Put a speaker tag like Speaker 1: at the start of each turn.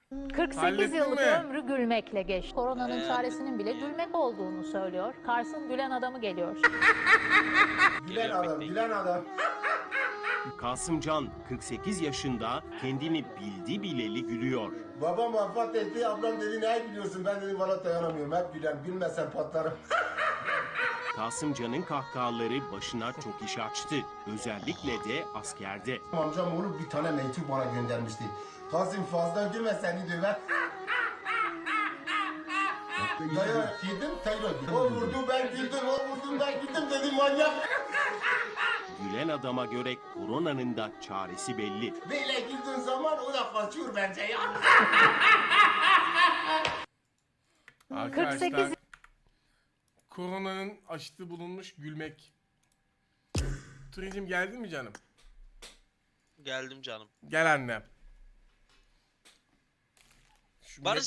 Speaker 1: 48
Speaker 2: Hallettin
Speaker 1: yıllık
Speaker 2: mi?
Speaker 1: ömrü gülmekle geçti. Koronanın çaresinin bile gülmek olduğunu söylüyor. Kars'ın gülen adamı geliyor.
Speaker 3: Gülen adam, gülen adam.
Speaker 4: Kasımcan 48 yaşında kendini bildi bileli gülüyor.
Speaker 3: Babam vefat etti, ablam dedi ne gülüyorsun? Ben dedim valla dayanamıyorum, hep gülen, gülmezsen patlarım.
Speaker 4: Kasımcan'ın kahkahaları başına çok iş açtı. Özellikle de askerde.
Speaker 3: Amcam oğlu bir tane mektup bana göndermişti. Kasım fazla gülme seni döver. Dayak yedim, tekrar güldüm. O vurdu ben güldüm, o vurdu ben güldüm dedim manyak.
Speaker 4: Gülen adama göre koronanın da çaresi belli.
Speaker 3: Böyle güldüğün zaman o da kaçıyor bence ya.
Speaker 2: Arkadaşlar
Speaker 1: 48
Speaker 2: koronanın aşıtı bulunmuş gülmek. Turizm geldin mi canım?
Speaker 5: Geldim canım.
Speaker 2: Gel annem. Şu
Speaker 5: Barış